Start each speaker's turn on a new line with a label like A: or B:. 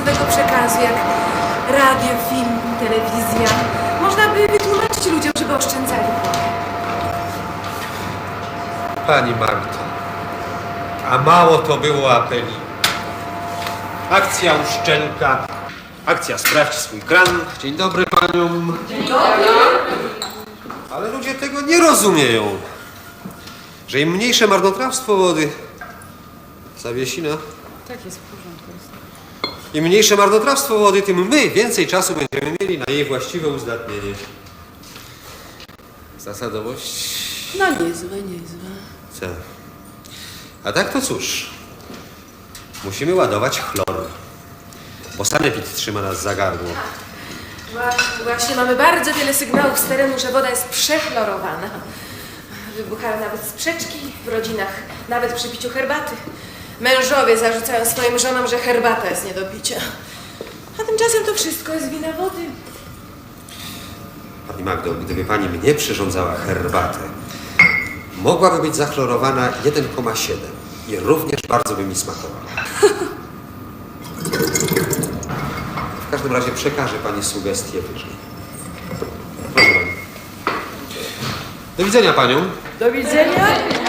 A: masowego przekazu, jak radio, film, telewizja. Można by wytłumaczyć ludziom, żeby oszczędzali.
B: Pani Magdo, a mało to było apeli. Akcja Uszczelka, akcja Sprawdź swój kran. Dzień dobry paniom. Dzień dobry. Ale ludzie tego nie rozumieją, że im mniejsze marnotrawstwo wody, Zawiesina,
A: Tak jest, w porządku.
B: im mniejsze marnotrawstwo wody, tym my więcej czasu będziemy mieli na jej właściwe uzdatnienie. Zasadowość?
A: No niezłe, niezłe.
B: Co? A tak to cóż, musimy ładować chlor, bo sanepid trzyma nas za gardło.
A: Właśnie mamy bardzo wiele sygnałów z terenu, że woda jest przechlorowana. Wybuchają nawet sprzeczki w rodzinach, nawet przy piciu herbaty. Mężowie zarzucają swoim żonom, że herbata jest nie do picia. A tymczasem to wszystko jest wina wody.
B: Pani Magdo, gdyby pani mnie przyrządzała herbatę, mogłaby być zachlorowana 1,7 i również bardzo by mi smakowała. W każdym razie przekażę pani sugestie wyżej. Proszę pani. Do widzenia panią.
A: Do widzenia.